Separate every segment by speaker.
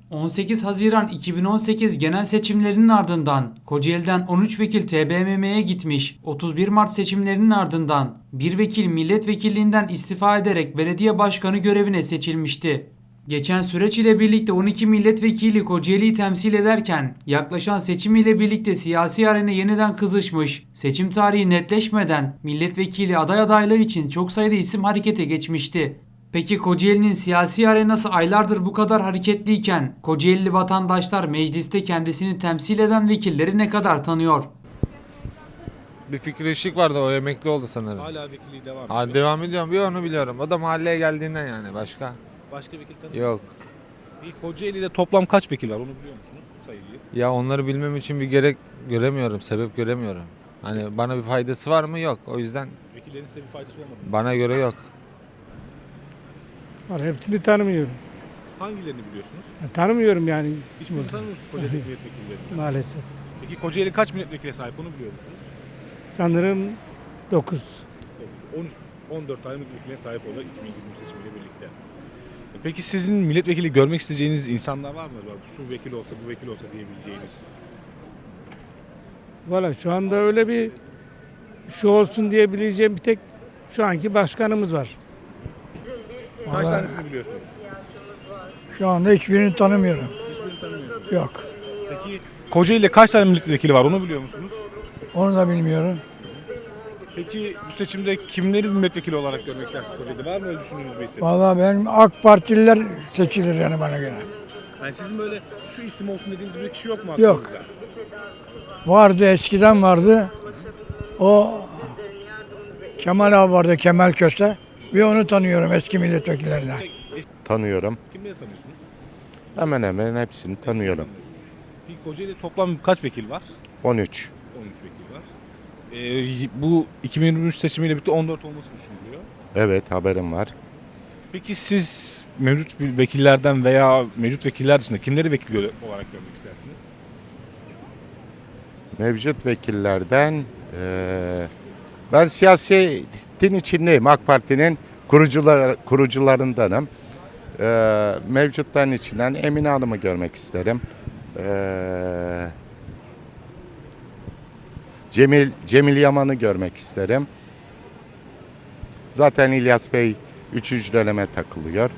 Speaker 1: 18 Haziran 2018 genel seçimlerinin ardından Kocaeli'den 13 vekil TBMM'ye gitmiş, 31 Mart seçimlerinin ardından bir vekil milletvekilliğinden istifa ederek belediye başkanı görevine seçilmişti. Geçen süreç ile birlikte 12 milletvekili Kocaeli'yi temsil ederken yaklaşan seçim ile birlikte siyasi arena yeniden kızışmış, seçim tarihi netleşmeden milletvekili aday adaylığı için çok sayıda isim harekete geçmişti. Peki Kocaeli'nin siyasi arenası aylardır bu kadar hareketliyken Kocaelili vatandaşlar mecliste kendisini temsil eden vekilleri ne kadar tanıyor?
Speaker 2: Bir Fikri Işık vardı, o emekli oldu sanırım.
Speaker 3: Hala vekilliği devam ediyor.
Speaker 2: Ha, devam ediyorum, bir onu biliyorum. O da mahalleye geldiğinden yani, başka
Speaker 3: Başka vekil tanıyor
Speaker 2: yok.
Speaker 3: musunuz? Bir Kocaeli'de toplam kaç vekil var onu biliyor musunuz sayıyı?
Speaker 2: Ya onları bilmem için bir gerek göremiyorum, sebep göremiyorum. Hani bana bir faydası var mı? Yok. O yüzden
Speaker 3: Vekillerin size bir faydası olmadı mı?
Speaker 2: bana göre yok.
Speaker 4: Var, hepsini tanımıyorum.
Speaker 3: Hangilerini biliyorsunuz?
Speaker 4: Tanımıyorum yani
Speaker 3: Hiçbirini tanımıyor musunuz Kocaeli milletvekillerini?
Speaker 4: maalesef.
Speaker 3: Peki Kocaeli kaç milletvekiline sahip onu biliyor musunuz?
Speaker 4: Sanırım 9.
Speaker 3: 13, 14 tane milletvekiline sahip oldu 2023 seçimiyle birlikte. Peki sizin milletvekili görmek isteyeceğiniz insanlar var mı? Şu vekil olsa, bu vekil olsa diyebileceğiniz.
Speaker 4: Valla şu anda öyle bir şu olsun diyebileceğim bir tek şu anki başkanımız var.
Speaker 3: Kaç
Speaker 5: Vallahi-
Speaker 3: tanesini biliyorsunuz?
Speaker 5: Şu anda hiçbirini tanımıyorum.
Speaker 3: Hiçbirini tanımıyorsunuz.
Speaker 5: Yok.
Speaker 3: Peki Kocaeli'de kaç tane milletvekili var onu biliyor musunuz?
Speaker 5: Onu da bilmiyorum.
Speaker 3: Peki bu seçimde kimleri milletvekili olarak görmek istersiniz Kocaeli'de? Var mı öyle düşündüğünüz bir isim?
Speaker 5: Vallahi benim AK Partililer seçilir yani bana göre.
Speaker 3: Yani sizin böyle şu isim olsun dediğiniz bir kişi yok mu
Speaker 5: Yok.
Speaker 3: aklınızda?
Speaker 5: Vardı, eskiden vardı. O Kemal abi vardı, Kemal Köse. Ve onu tanıyorum eski milletvekillerinden.
Speaker 6: Tanıyorum.
Speaker 3: Kimleri tanıyorsunuz?
Speaker 6: Hemen hemen hepsini tanıyorum.
Speaker 3: Peki Kocaeli'de toplam kaç vekil var?
Speaker 6: 13.
Speaker 3: 13 vekil var. Bu 2023 seçimiyle birlikte 14 olması düşünülüyor.
Speaker 6: Evet, haberim var.
Speaker 3: Peki siz mevcut vekillerden veya mevcut vekiller dışında kimleri vekil olarak görmek istersiniz?
Speaker 6: Mevcut vekillerden ben siyasetin içindeyim. AK Parti'nin kurucularındanım. Mevcutların içinden Emine Hanım'ı görmek isterim. Cemil Yaman'ı görmek isterim. Zaten İlyas Bey 3. döneme takılıyor.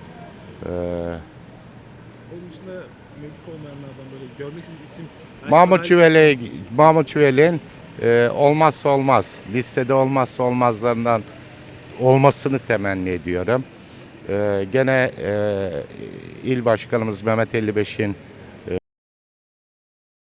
Speaker 3: Onun dışında mevcut olmayanlardan böyle görmek istediğiniz isim...
Speaker 6: Mahmut Çüvelek'in olmazsa olmaz, listede olmazsa olmazlarından olmasını temenni ediyorum. Gene il başkanımız Mehmet 55'in